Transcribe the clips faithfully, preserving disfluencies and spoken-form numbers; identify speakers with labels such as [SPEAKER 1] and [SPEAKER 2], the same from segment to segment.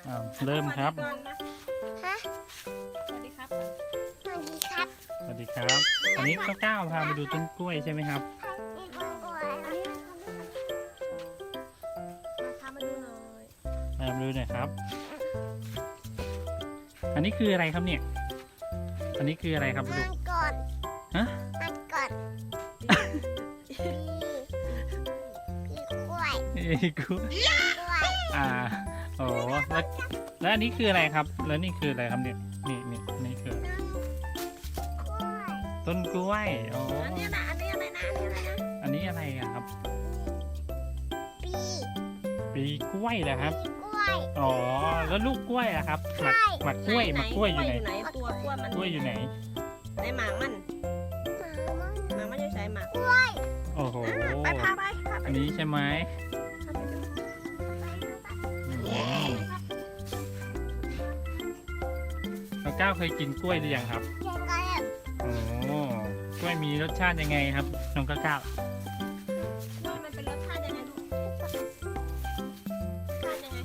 [SPEAKER 1] อ้าวเริ่มครับ
[SPEAKER 2] ฮะ
[SPEAKER 3] สวัสดีครับ
[SPEAKER 2] สวัสดีครับ
[SPEAKER 1] สวัสดีครับวันนี้ก้าวก้าวพามาดูต้นกล้วยใช่ไหมครับ
[SPEAKER 2] มีคนกลัวอันนี้
[SPEAKER 3] พามาดูหน่อย
[SPEAKER 1] มาดูหน่อยครับ อันนี้คืออะไรครับเนี่ย อันนี้คืออะไรครับ
[SPEAKER 2] มั
[SPEAKER 1] ลูก
[SPEAKER 2] นก่อน
[SPEAKER 1] ฮะ
[SPEAKER 2] มันก่อนพี่พี่กล้วย
[SPEAKER 1] นี่กล้วย
[SPEAKER 2] กล้วย
[SPEAKER 1] อ่าโอ้แล้วแล้วอันนี้คืออะไรครับ แล้วนี่คืออะไรครับเนี่ยนี่นี่นี่คือ
[SPEAKER 2] น้องกล้วย
[SPEAKER 1] ต้นกล้วยอ๋อ
[SPEAKER 3] อันนี้นะอันนี้อะไรนะอันนี้อะไรนะ
[SPEAKER 1] อันนี้อะไรอะครับ
[SPEAKER 2] ปี
[SPEAKER 1] ปีกล้วยเหรอครับ
[SPEAKER 2] ปีกล้วย
[SPEAKER 1] อ๋อแล้วลูกกล้วยอะครับหมัก
[SPEAKER 2] ใช่
[SPEAKER 1] หมักกล้วยหมักกล้วยอยู่ไหน
[SPEAKER 3] ตัวกล้วยมัน
[SPEAKER 1] กล้วยอยู่ไหน
[SPEAKER 3] ในหมากมัน
[SPEAKER 2] หมามัน
[SPEAKER 3] หมากมันอยู่ใส่หมาก
[SPEAKER 2] กล้วย
[SPEAKER 1] โอ้โห
[SPEAKER 3] ไปพาไปพาไป
[SPEAKER 1] อันนี้ใช่ไหม
[SPEAKER 3] พาไปดู
[SPEAKER 1] อืมแล้วก้าวเคยกินกล้วยหรือยังครับ
[SPEAKER 2] เจ๊ก็เลย
[SPEAKER 1] โอ้กล้วยมีรสชาติยังไงครับน้องก้าวก้าว
[SPEAKER 3] กล้วยมันเป็นรสชาติยังไงลูกรสชาติยังไง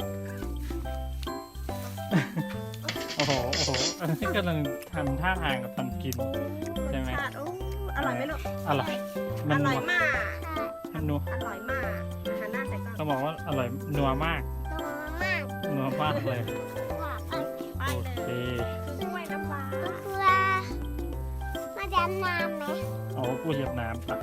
[SPEAKER 1] โอ้โหโอ้โหอันนี้กำลังทำท่าทางกับตอนกิน ใช่ไหม
[SPEAKER 3] รสชาติโอ้อร่อยไหมลูก
[SPEAKER 1] อร่อย
[SPEAKER 3] อ
[SPEAKER 1] มัน
[SPEAKER 3] ร่
[SPEAKER 1] นั
[SPEAKER 3] อยว มาก
[SPEAKER 1] มันนัว
[SPEAKER 3] อร่อยมากหันหน้าใส่กล้อง
[SPEAKER 1] ต้องบอกว่าอร่อยนัวมาก
[SPEAKER 2] ตัวมาก
[SPEAKER 1] นัวมากเลย
[SPEAKER 2] กว่าไป
[SPEAKER 3] ไป
[SPEAKER 1] โอ
[SPEAKER 3] เล
[SPEAKER 1] เค
[SPEAKER 3] ยกล้วยน้ำว้า
[SPEAKER 2] เพื่อมาดำน้ำไหม
[SPEAKER 1] เอากู้เหยียบน้ำปะ